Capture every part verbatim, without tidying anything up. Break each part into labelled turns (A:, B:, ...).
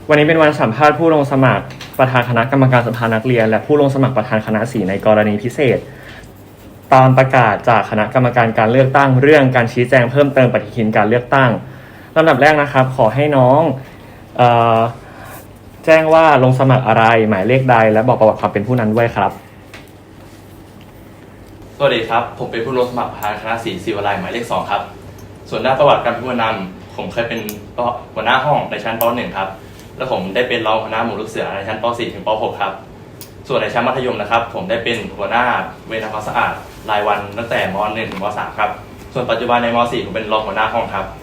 A: วันนี้เป็นวันสัมภาษณ์ผู้ลงสมัครประธานคณะกรรมการสภานักเรียนและผู้ลงสมัครประธานคณะสีในกรณีพิเศษตามประกาศจากคณะกรรมการการเลือกตั้งเรื่องการชี้แจงเพิ่มเติมปฏิทินการเลือกตั้งลำดับแรกนะครับขอให้น้องเอ่อแจ้งว่าลงสมัครอะไรหมายเลขใดและบอกประวัติความเป็นผู้นั้นด้วยครับ
B: สวัสดีครับผมเป็นผู้ลงสมัครประธานคณะสีศิวไลหมายเลขสองครับส่วนด้านประวัติการเป็นผู้นำผมเคยเป็นหัวหน้าห้องในชั้นป .หนึ่ง ครับและผมได้เป็นรองหัวหน้าหมู่ลูกเสือในชั้นป .สี่ ถึงป .หก ครับส่วนในชั้นมัธยมนะครับผมได้เป็นหัวหน้าเวรทำความสะอาดรายวันตั้งแต่ม .หนึ่ง ถึงม .สาม ครับส่วนปัจจุบันในม .สี่ ผมเป็นรองหัวหน้าห้องครับ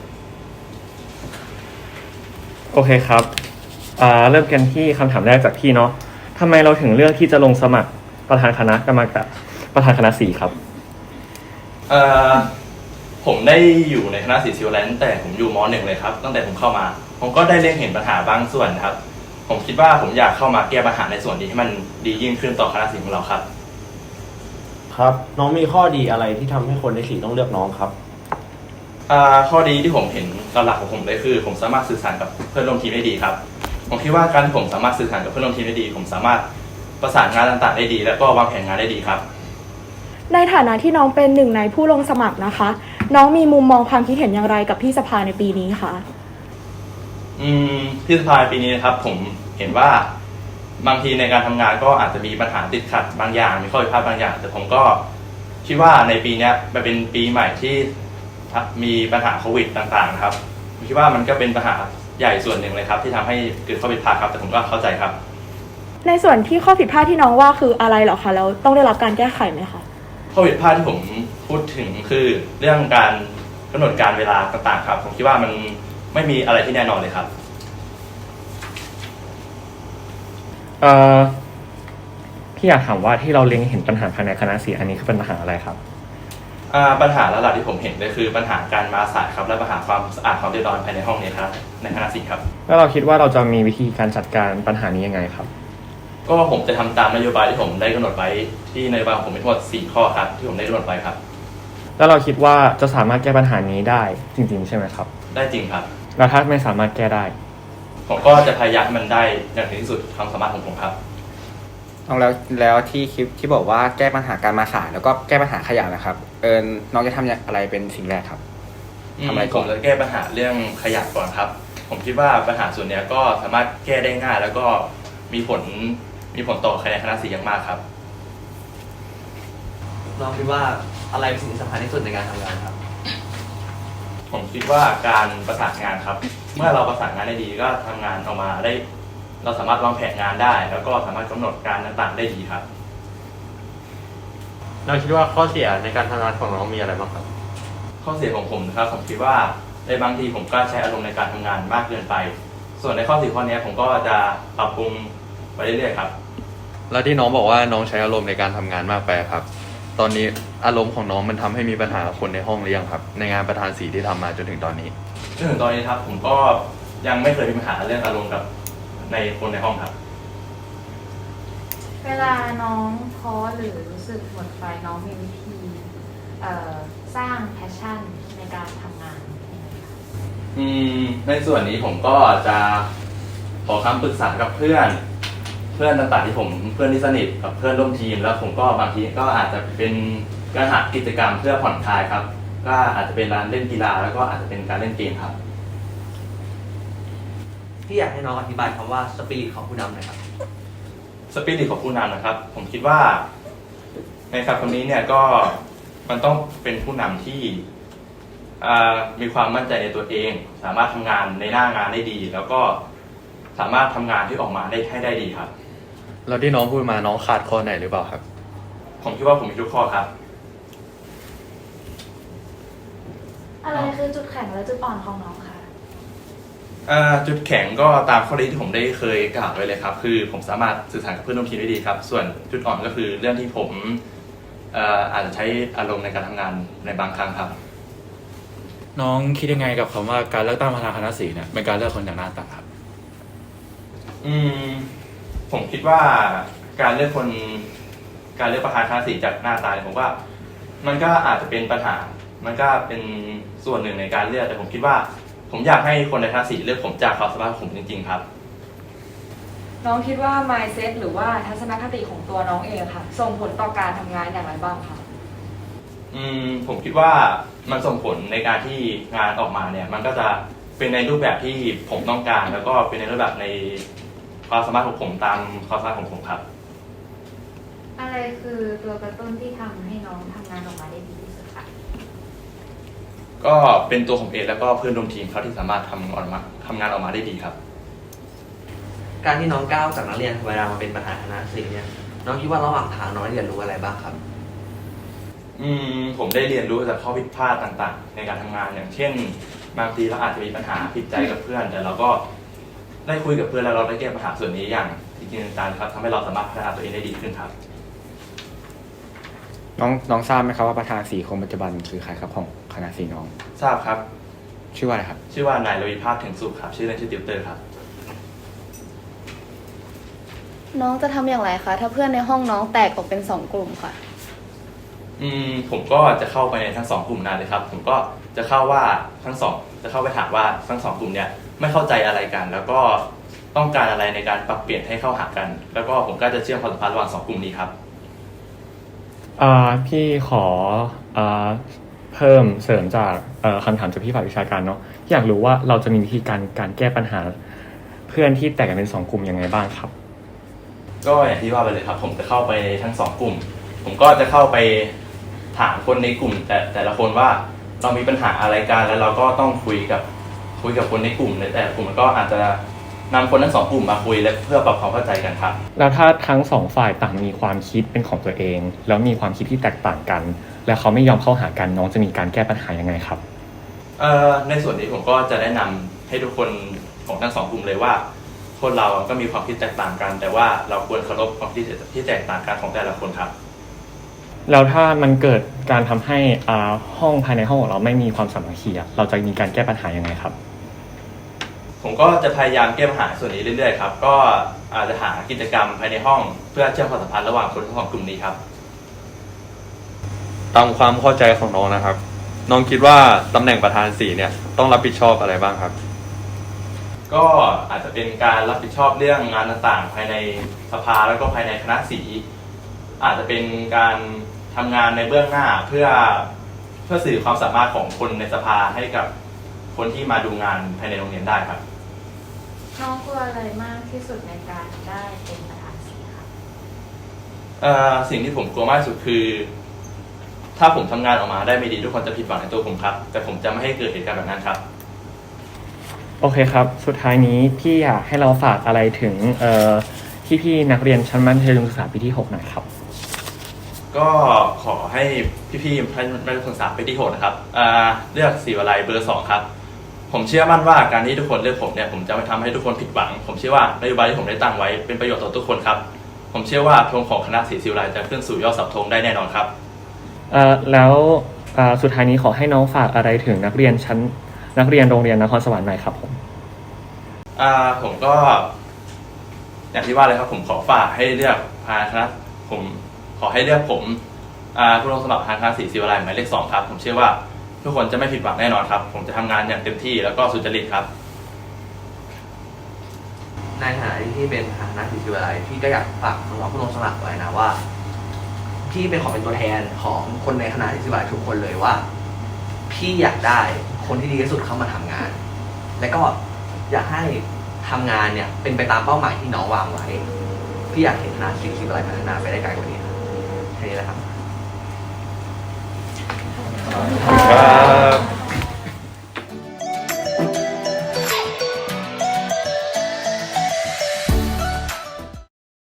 A: โอเคครับเริ่มกันที่คำถามแรกจากพี่เนาะทำไมเราถึงเลือกที่จะลงสมัครประธานคณะกรรมการประธานคณะสีครับ
B: เอ่อผมได้อยู่ในคณะสีศิวไลตั้งแต่ผมอยู่ม .หนึ่ง เลยครับตั้งแต่ผมเข้ามาผมก็ได้เล็งเห็นปัญหาบางส่วนครับผมคิดว่าผมอยากเข้ามาแก้ปัญหาในส่วนนี้ให้มันดียิ่งขึ้นต่อคณะสีของเราครับ
C: ครับน้องมีข้อดีอะไรที่ทำให้คนในสีต้องเลือกน้องครับ
B: ข้อดีที่ผมเห็นหลักของผมเลยคือผมสามารถสื่อสารกับเพื่อนร่วมทีมได้ดีครับผมคิดว่าการที่ผมสามารถสื่อสารกับเพื่อนร่วมทีมได้ดีผมสามารถประสานงานต่างๆได้ดีและก็วางแผนงานได้ดีครับ
D: ในฐานะที่น้องเป็นหนึ่งในผู้ลงสมัครนะคะน้องมีมุมมองความคิดเห็นอย่างไรกับพี่สภาในปีนี้คะ
B: อืมพี่สภาปีนี้นะครับผมเห็นว่าบางทีในการทำงานก็อาจจะมีปัญหาติดขัดบางอย่างมีข้อผิดพลาดบางอย่างแต่ผมก็คิดว่าในปีนี้มันเป็นปีใหม่ที่มีปัญหาโควิดต่างๆครับผมคิดว่ามันก็เป็นปัญหาใหญ่ส่วนหนึ่งเลยครับที่ทำให้เกิดข้อผิดพลาดครับแต่ผมก็เข้าใจครับ
D: ในส่วนที่ข้อผิดพลาดที่น้องว่าคืออะไรเหรอคะแล้วต้องได้รับการแก้ไขไหมคะ
B: ข้อผิดพลาดที่ผมพูดถึงคือเรื่องการกำหนดการเวลาต่างๆครับผมคิดว่ามันไม่มีอะไรที่แน่นอนเลยครับ
A: เอ่อพี่อยากถามว่าที่เราเล็งเห็นปัญหาภายในคณะสีอันนี้คือเป็นปัญหาอะไรครับ
B: ปัญหาหลักๆที่ผมเห็นเลยคือปัญหาการมาสายครับและปัญหาความสะอาดความเรียบร้อยภายในห้องนี้ครับในคณะศิลป์ครับ
A: แล้วเราคิดว่าเราจะมีวิธีการจัดการปัญหานี้ยังไงครับ
B: ก็ผมจะทำตามนโยบายที่ผมได้กำหนดไว้ที่นโยบายของผมมีทั้งหมดสี่ข้อครับที่ผมได้กำหนดไว้ครับ
A: แล้วเราคิดว่าจะสามารถแก้ปัญหานี้ได้จริงๆใช่ไหมครับ
B: ได้จริงครับ
A: แล้วถ้าไม่สามารถแก้ได้
B: ผมก็จะพยายามให้มันได้อย่างถึงที่สุดความสามารถของผมครับ
E: น้องแล้วแล้วที่คลิปที่บอกว่าแก้ปัญหาการมาสายแล้วก็แก้ปัญหาขยะนะครับเออน้องจะทำอะไรเป็นสิ่งแรกครับ
B: ทำอะไรก่อนจะแก้ปัญหาเรื่องขยะก่อนครับผมคิดว่าปัญหาส่วนนี้ก็สามารถแก้ได้ง่ายแล้วก็มีผลมีผลต่อคะแนนคณะสีอย่างมากครับ
F: น้องคิดว่าอะไรเป็นสิ่งสำคัญที่สุดในการทำงานครับ
B: ผมคิดว่าการประสานงานครับเมื่อเราประสานงานได้ดีก็ทำงานออกมาได้เราสามารถวางแผนงานได้แล้วก็สามารถกำหนดการต่างๆได้ดีครับ
C: น้องคิดว่าข้อเสียในการทำงานของน้องมีอะไรบ้างครับ
B: ข้อเสียของผมนะครับผมคิดว่าในบางทีผมก็ใช้อารมณ์ในการทำงานมากเกินไปส่วนในข้อสี่ข้อนี้ผมก็จะปรับปรุงไปเรื่อยๆครับ
G: แล้วที่น้องบอกว่าน้องใช้อารมณ์ในการทำงานมากไปครับตอนนี้อารมณ์ของน้องมันทำให้มีปัญหาคนในห้องหรือยังครับในงานประธานสีที่ทำมาจนถึงตอนนี้
B: จนถึงตอนนี้ครับผมก็ยังไม่เคยมีปัญหาเรื่องอารมณ์กับในคนในห้องครับ
H: เวลาน้องท้อหรือรู้สึกหมดไฟน้องมีวิธีสร้างแพชชั่นในการทำงาน
B: อืมในส่วนนี้ผมก็จะขอคำปรึกษากับเพื่อนเพื่อนต่างๆที่ผมเพื่อนที่สนิทกับเพื่อนร่วมทีมแล้วผมก็บางทีก็อาจจะเป็นการหากิจกรรมเพื่อผ่อนคลายครับก็อาจจะเป็นการเล่นกีฬาแล้วก็อาจจะเป็นการเล่นเกมครับ
F: ที่อยากให้น้องอธิบายคำว่าสปิริตของผู้นำหน่อยครับ
B: สปิริตของผู้นำนะครับผมคิดว่าในคำนี้เนี่ยก็มันต้องเป็นผู้นำที่มีความมั่นใจในตัวเองสามารถทำงานในหน้างานได้ดีแล้วก็สามารถทำงานที่ออกมาได้ให้ได้ดีครับ
G: แล้วที่น้องพูดมาน้องขาดข้อไหนหรือเปล่าครับ
B: ผมคิดว่าผมมีทุกข้อครับ
H: อะไรคือจุดแข็งและจุดอ่อนของน้องคะ
B: จุดแข็งก็ตามข้อดีที่ผมได้เคยกล่าวไว้เลยครับคือผมสามารถสื่อสารกับเพื่อนร่วมทีมได้ดีครับส่วนจุดอ่อนก็คือเรื่องที่ผมอาจจะใช้อารมณ์ในการทำงานในบางครั้งครับ
I: น้องคิดยังไงกับคำว่าการเลือกตั้งประธานคณะสีเนี่ยเป็นการเลือกคนจากหน้าตาครับ
B: อืมผมคิดว่าการเลือกคนการเลือกประธานคณะสีจากหน้าตาเนี่ยผมว่ามันก็อาจจะเป็นปัญหามันก็เป็นส่วนหนึ่งในการเลือกแต่ผมคิดว่าผมอยากให้คนในคณะสีเลือกผมจากความสามารถของผมจริงๆครับ
D: น้องคิดว่า mindset หรือว่าทัศนคติของตัวน้องเองค่ะส่งผลต่อการทำงานอย่างไรบ้างคะ
B: อืมผมคิดว่ามันส่งผลในการที่งานออกมาเนี่ยมันก็จะเป็นในรูปแบบที่ผมต้องการ แล้วก็เป็นในรูปแบบในความสามารถของผมตามความสามารถของผมครับ
H: อะไรคือตัวกระตุ้นที่ทำให้น้องทำงานออกมาได้ดีที่สุดคะ
B: ก็เป็นตัวผมเองแล้วก็เพื่อนร่วมทีมเขาที่สามารถทำออกมาทำงานออกมาได้ดีครับ
F: การที่น้องก้าวจากนักเรียนธรรมดามาเป็นประธานคณะศิลป์เนี่ยน้องคิดว่าระหว่างทางน้องได้เรียนรู้อะไรบ้างครับ
B: อืมผมได้เรียนรู้จากข้อผิดพลาดต่างๆ ในการทำงานอย่างเช่นบางทีเราอาจจะมีปัญหาผิดใจกับเพื่อน แต่เราก็ได้คุยกับเพื่อนแล้วเราได้แก้ปัญหาส่วนนี้อย่างจริงๆจังๆครับทำให้เราสามารถพัฒนาตัวเองได้ดีขึ้นครับ
E: น้องน้องทราบไหมครับว่าประธานสีคนปัจจุบันคือใครครับของคณะสีน้อง
B: ทราบครับ
E: ชื่อว่าอะไรครับ
B: ชื่อว่านายรวิภาพถึงสุขครับชื่อเล่นชื่อติวเตอร์ครับ
J: น้องจะทำอย่างไรคะถ้าเพื่อนในห้องน้องแตกออกเป็นสองกลุ่มค่ะ
B: อืมผมก็จะเข้าไปในทั้งสองกลุ่มนั้นเลยครับผมก็จะเข้าว่าทั้งสองจะเข้าไปถามว่าทั้งสองกลุ่มเนี่ยไม่เข้าใจอะไรกัน แล้วก็ต้องการอะไรในการปรับเปลี่ยนให้เข้าหากัน แล้วก็ผมก็จะเชื่อมความสัมพันธ์ระหว่างสองกลุ่มนี้ครับ
A: อ่าพี่ขออ่าเพิ่มเสริมจากเอ่อคำถามจากพี่ฝ่ายวิชาการเนาะอยากรู้ว่าเราจะมีวิธีการการแก้ปัญหาเพื่อนที่แตกกันเป็นสองกลุ่มยังไงบ้างครับ
B: ก็อย่างที่ว่าไปเลยครับผมจะเข้าไปทั้งสองกลุ่ม ผมก็จะเข้าไปถามคนในกลุ่ม แต่แต่ละคนว่าเรามีปัญหาอะไรกันแล้วเราก็ต้องคุยกับคุยกับคนในกลุ่มในแต่ละกลุ่มมันก็อาจจะนำคนทั้งสองกลุ่มมาคุยและเพื่อปรับความเข้าใจกันครับ
A: แล้วถ้าทั้งสองฝ่ายต่างมีความคิดเป็นของตัวเอง แล้วมีความคิดที่แตกต่างกัน แล้วเขาไม่ยอมเข้าหากันน้องจะมีการแก้ปัญหายังไงครับ
B: เอ่อในส่วนนี้ผมก็จะแนะนำให้ทุกคนของทั้งสองกลุ่มเลยว่าคนเราก็มีความคิดแตกต่างกัน แต่ว่าเราควรเคารพความคิดที่แตกต่างกันของแต่ละคนครับ
A: แล้วถ้ามันเกิดการทำให้อ่าห้องภายในห้องของเราไม่มีความสามัคคีอะเราจะมีการแก้ปัญหายังไงครับ
B: ผมก็จะพยายามแก้ปัญหาส่วนนี้เรื่อยๆครับก็อาจจะหากิจกรรมภายในห้องเพื่อเชื่อมความสัมพันธ์ระหว่างคนทั้งสองกลุ่มนี้ครับ
G: ตามความเข้าใจของน้องนะครับ น้องคิดว่าตำแหน่งประธานสีเนี่ยต้องรับผิดชอบอะไรบ้างครับ
B: ก็อาจจะเป็นการรับผิดชอบเรื่องงานต่างๆ ภายในสภาแล้วก็ภายในคณะสีอาจจะเป็นการทำงานในเบื้องหน้าเพื่อเพื่อสื่อความสามารถของคนในสภาให้กับคนที่มาดูงานภายในโรงเรียนได้ครับ
H: น้องกลัวอะไรมากที่สุดในการได้เป็นประธานสีคะ
B: เอ่อสิ่งที่ผมกลัวมากที่สุดคือ ถ้าผมทำงานออกมาได้ไม่ดีทุกคนจะผิดหวังในตัวผมครับ แต่ผมจะไม่ให้เกิดเหตุการณ์แบบนั้นครับ
A: โอเคครับ สุดท้ายนี้พี่อยากให้เราฝากอะไรถึงเอ่อพี่ๆนักเรียนชั้นมัธยมศึกษาปีที่หกหน่อยครับ
B: ก็ขอให้พี่ๆท่านนักศึกษาปีที่หกนะครับอ่าเลือกศิวาลัยเบอร์สองครับผมเชื่อมั่นว่าการที่ทุกคนเลือกผมเนี่ยผมจะไม่ทำให้ทุกคนผิดหวัง ผมเชื่อว่านโยบายที่ผมได้ตั้งไว้เป็นประโยชน์ต่อทุกคนครับผมเชื่อว่าธงของคณะศิวาลัยจะขึ้นสู่ยอดเสาธงได้แน่นอนครับ
A: เอ่อแล้วเอ่อสุดท้ายนี้ขอให้น้องฝากอะไรถึงนักเรียนชั้นนักเรียนโรงเรียนนครสวรรค์หน่อยครับผม
B: อ่าผมก็อย่างที่ว่าเลยครับผมขอฝากให้เลือกพาคณะผมขอให้เลือกผมอ่าผู้ลงสมัครพาคณะศรีศิวาลัยหมายเลขสองครับผมเชื่อว่าทุกคนจะไม่ผิดหวังแน่นอนครับผมจะทำงานอย่างเต็มที่แล้วก็สุจริตครับ
F: ในฐานะที่เป็นประธานคณะศิลป์วิทยาลัยพี่ก็อยากฝากน้องๆผู้ลงสมัครไว้นะว่าพี่เป็นขอเป็นตัวแทนของคนในคณะศิลป์วิทยาลัยทุกคนเลยว่าพี่อยากได้คนที่ดีที่สุดเข้ามาทำงาน และก็อยากให้ทำงานเนี่ยเป็นไปตามเป้าหมายที่น้องวางไว้พี่อยากเห็นคณะศิลป์วิทยาลัยพัฒนาไปได้ไกลกว่านี้แค่นี้แหละครับ
A: ครับ